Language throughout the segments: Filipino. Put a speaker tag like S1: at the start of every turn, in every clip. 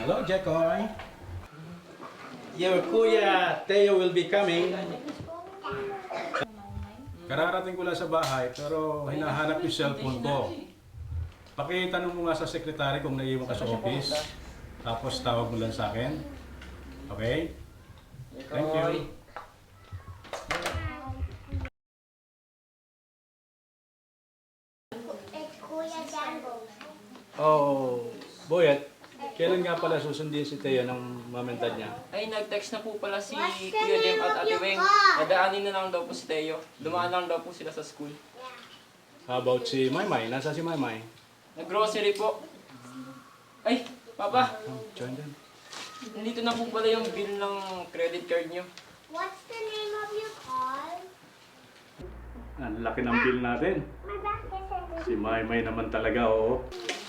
S1: Hello, Jekoy. Your kuya Teo will be coming. Kararating ko lang sa bahay pero hinahanap yung cellphone ko. Pakitanong mo nga sa sekretary kung naiiwan ka sa office. Tapos tawag mo lang sa akin. Okay? Thank you. Oh, Boyet, kailan nga pala susundin si Teo ng mom and dad niya?
S2: Ay, nag-text na po pala si Kuya Jem at Ate Weng. Dadaanin na lang daw po si Teo. Dumaan lang daw po sila sa school.
S1: How about si Maymay? Nasa si Maymay?
S2: Nag-grocery po. Ay, Papa,
S1: Join them.
S2: nandito na po pala yung bill ng credit card niyo.
S3: What's the name of your car?
S1: Ang laki ng bill natin.
S3: My back is
S1: Si Maymay naman talaga, oo.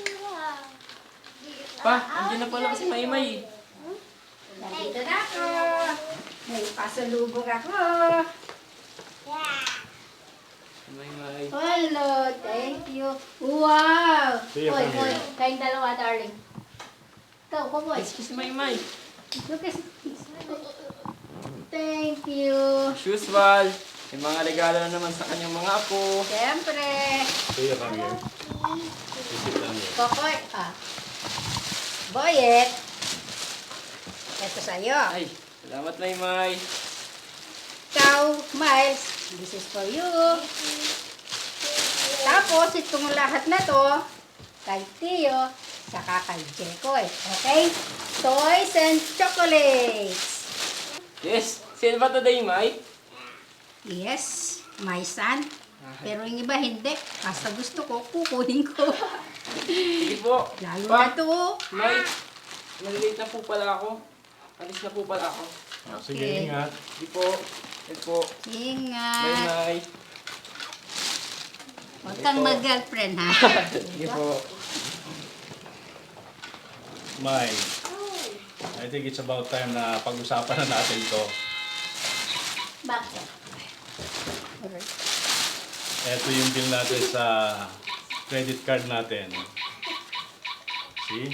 S2: Pa, andiyan na pala kasi Maymay.
S4: Nandito na ako. May pasalubong ako.
S3: Yeah.
S2: Maymay.
S4: Hello, thank you. Wow!
S1: See you,
S4: Hoy,
S1: come
S4: hoy,
S1: here.
S4: kayong dalawa, darling. Ikaw, boy.
S2: Excuse Maymay.
S4: Look at Thank you.
S2: Shoes Val. May mga regalo na naman sa kanyang mga apo.
S4: Siyempre.
S1: Teo, come here. Visit lang here.
S4: Kokoy. Boyet. Ito sa'yo.
S2: Ay, salamat Maymay.
S4: Ikaw, Miles. This is for you. Tapos, itong lahat na to, kay Tio, saka kay Jekoy. Okay? Toys and chocolates.
S2: Yes, sale ba today, May?
S4: Yes, my son. Pero yung iba hindi. Basta gusto ko, kukunin ko.
S2: Sige po.
S4: Lalo
S2: Pa,
S4: na to.
S2: May, nalilate na po pala ako. Alis na po pala ako.
S1: Sige,
S4: Okay.
S1: ingat.
S2: Sige po. Sige po. Bye,
S4: Ingat.
S2: May.
S4: Huwag kang mag-girlfriend, ha?
S2: Sige po.
S1: May, I think it's about time na pag-usapan na natin to.
S4: Bakit? Alright.
S1: Ito yung bill natin sa credit card natin. See?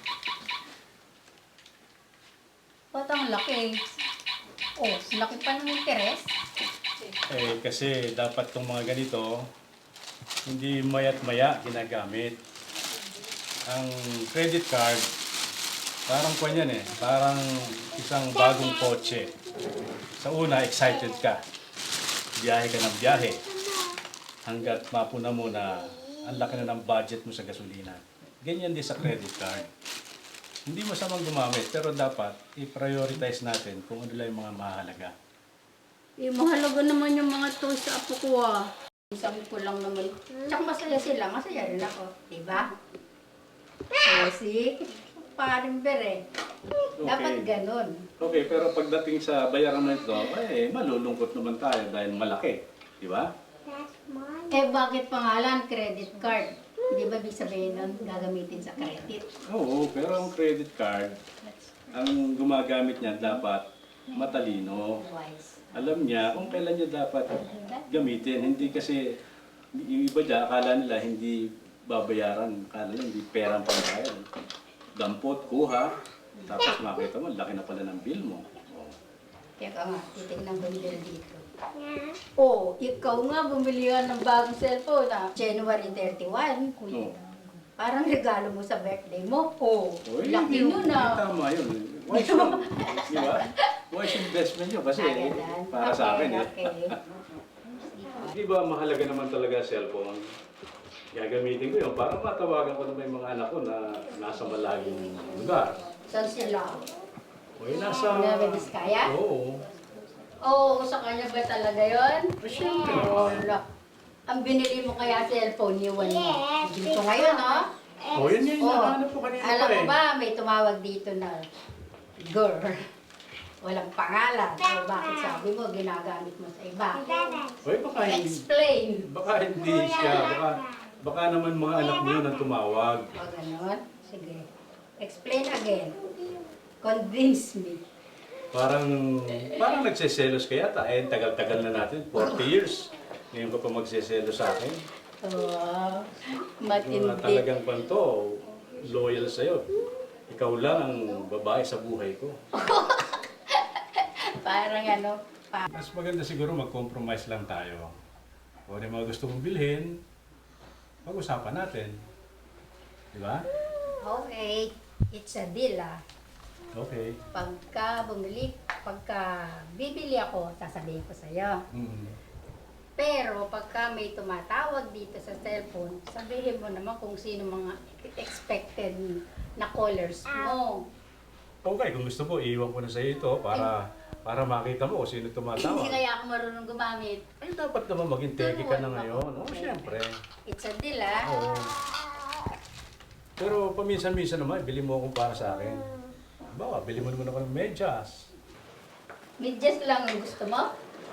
S4: Ba't ang laki? Oh, laki pa ng interes.
S1: Eh, kasi dapat tong mga ganito, hindi maya't maya ginagamit. Ang credit card, parang kwan yan eh, parang isang bagong kotse. Sa una, excited ka. Biyahe ka ng biyahe. Hanggat mapuna mo na ang laki na ng budget mo sa gasolina. Ganyan din sa credit card. Hindi masamang gumamit, pero dapat i-prioritize natin kung ano lang yung mga mahalaga.
S4: Eh, mahalaga naman yung mga toys sa apo ko, ah. Isang ko lang naman. Tsaka masaya sila. Masaya rin ako. Diba? Oh, see? Parang bere. Dapat ganun.
S1: Okay, pero pagdating sa bayaran na ito, eh, malulungkot naman tayo dahil malaki. Di ba?
S3: That's mine.
S4: Eh, bakit pangalan? Credit card. Di ba ibig sabihin nun, gagamitin sa credit?
S1: Oo, pero ang credit card, ang gumagamit niya dapat matalino.
S4: Wise.
S1: Alam niya kung kailan niya dapat gamitin. Hindi kasi, yung iba dyan, akala nila hindi babayaran. Akala nila hindi perang pambayad. Dampot, kuha, tapos makita mo, laki na pala ng bill mo. Oh.
S4: Teka nga, titignan ko yung bill dito.
S3: Yeah.
S4: Oh, ikaw nga bumili ka ng bagong cellphone na January 31.
S1: Oh.
S4: Parang regalo mo sa birthday mo. Oh,
S1: Oh,
S4: laki
S1: hindi
S4: nun ah.
S1: tama yun. Wise yun. Di ba? Wise investment yun kasi
S4: Ganun.
S1: para sa akin eh.
S4: Okay.
S1: Di ba mahalaga naman talaga cellphone? Gagamitin ko yun para matawagan ko naman yung mga anak ko na nasa malaking lugar.
S4: Saan sila?
S1: O yun, nasa...
S4: Nueva Vizcaya?
S1: Oo.
S4: Oo, sa kanya ba talaga yun?
S1: Siyempre.
S4: Wala. Ang binili mo kaya cellphone, iwan mo.
S3: Yes,
S4: Dito ngayon, no?
S1: O yun yung
S4: Oh,
S1: hinahanap ko kanina
S4: alam
S1: pa
S4: mo
S1: eh.
S4: ba, may tumawag dito na girl. Walang pangalan. O bakit sabi mo, ginagamit mo sa iba?
S1: Oy, baka hindi...
S4: Explain.
S1: Baka hindi siya. Baka naman mga anak mo yun ang tumawag.
S4: O ganon? Sige. Explain again. Convince me.
S1: Parang nagseselos kaya ta. Eh, tagal-tagal na natin. 40 years. Ngayon ka pa magseselos sa akin.
S4: Oh,
S1: Mga
S4: matindi.
S1: talagang panto, loyal sa'yo. Ikaw lang ang babae sa buhay ko.
S4: Parang ano,
S1: Mas maganda siguro mag-compromise lang tayo. Kung ano yung mga gusto mong bilhin, pag-usapan natin. Di ba?
S4: okay, it's a deal ah.
S1: Okay.
S4: Pagka bibili ako, sasabihin ko sa'yo.
S1: Mm.
S4: Pero pagka may tumatawag dito sa cellphone, sabihin mo naman kung sino mga expected na callers mo.
S1: Okay, kung gusto mo, iiwan ko na sa ito para makita mo kung sino
S4: Hindi
S1: tumatawag.
S4: kaya ako marunong gumamit.
S1: Ay, dapat naman maging teki ka na ngayon. Oo,
S4: Okay.
S1: syempre.
S4: It's a deal ah.
S1: Oo. Pero paminsan-minsan naman, bili mo akong para sa akin. Bawa, bili mo naman ako ng medyas.
S4: Medyas lang ang gusto mo?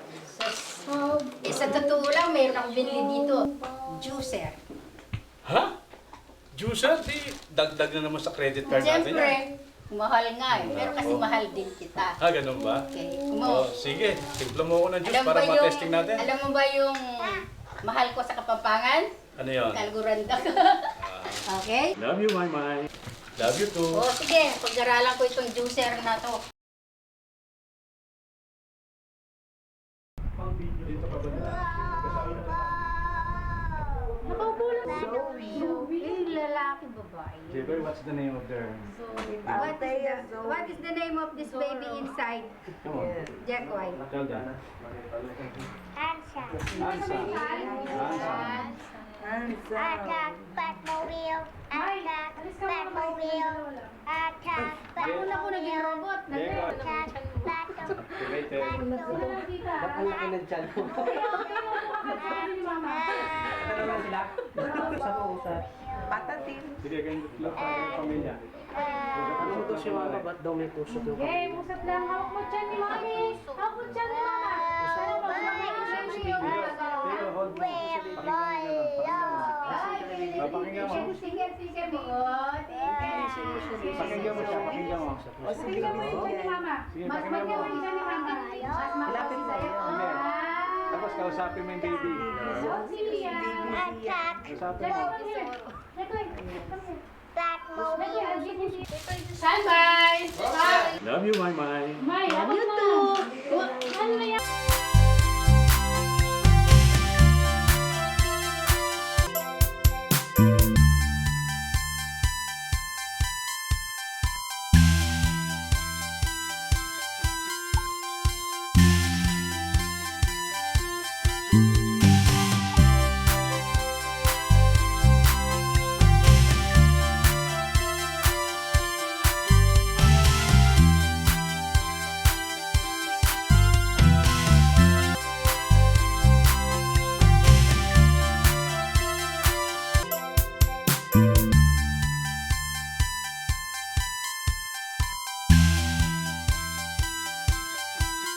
S4: Sa totoo lang, mayroon akong binili dito. Juicer.
S1: Ha? Juicer? Di, dagdag na naman sa credit card natin
S4: Siyempre,
S1: yan.
S4: mahal nga eh. Pero kasi mahal din kita.
S1: Ah, ganun ba?
S4: Okay.
S1: Oh, sige, timpla mo ako ng juice
S4: Alam
S1: para
S4: ba yung,
S1: ma-testing natin.
S4: alam mo ba yung mahal ko sa Kapampangan?
S1: Ano yun?
S4: Kalguranda ka. Okay?
S1: Love you, my. Love you too.
S4: O sige, pag-aralan ko itong juicer na to.
S1: Dito ka ba na?
S4: Nakaupo lang sa lalaki, babae.
S1: Jeboy, what's the name of their...
S4: What is the name of this baby inside?
S1: Come on.
S4: Jekoy.
S1: Tell them.
S3: Hansa.
S1: Ansa. Ansa.
S3: Attack Batmobile. Attack Batmobile. Attack
S4: Ako na ko naging robot.
S3: Attack
S1: Activated.
S5: Ang laki ng tiyan mo. Ano lang sila? Usap-usap. Patatin.
S1: Sige, ganyan lang sa aking pamilya.
S5: Ano to si Mama? Ba't daw may tusok yung
S6: Okay, musap lang. Hawak mo dyan ni Mami. Hawak mo dyan ni Mama. Ano ba?
S1: Pero hold mo. Pakinggan mo.
S4: Sige, sige mo.
S1: Pakinggan mo siya. Pakinggan mo.
S6: Pakinggan mo dyan ni Mama.
S1: Sige,
S6: Mas
S1: pakinggan mo.
S6: magyan mo dyan ni Mama. Mas
S5: Ilapit mo.
S6: sa'yo.
S1: Sige. Tapos kausapin mo yung baby.
S6: Sige yan.
S3: Attack
S1: Kausapin mo.
S3: Batmobile.
S6: Standby.
S1: Love you, my.
S6: May, hawak mo. Ano na yan?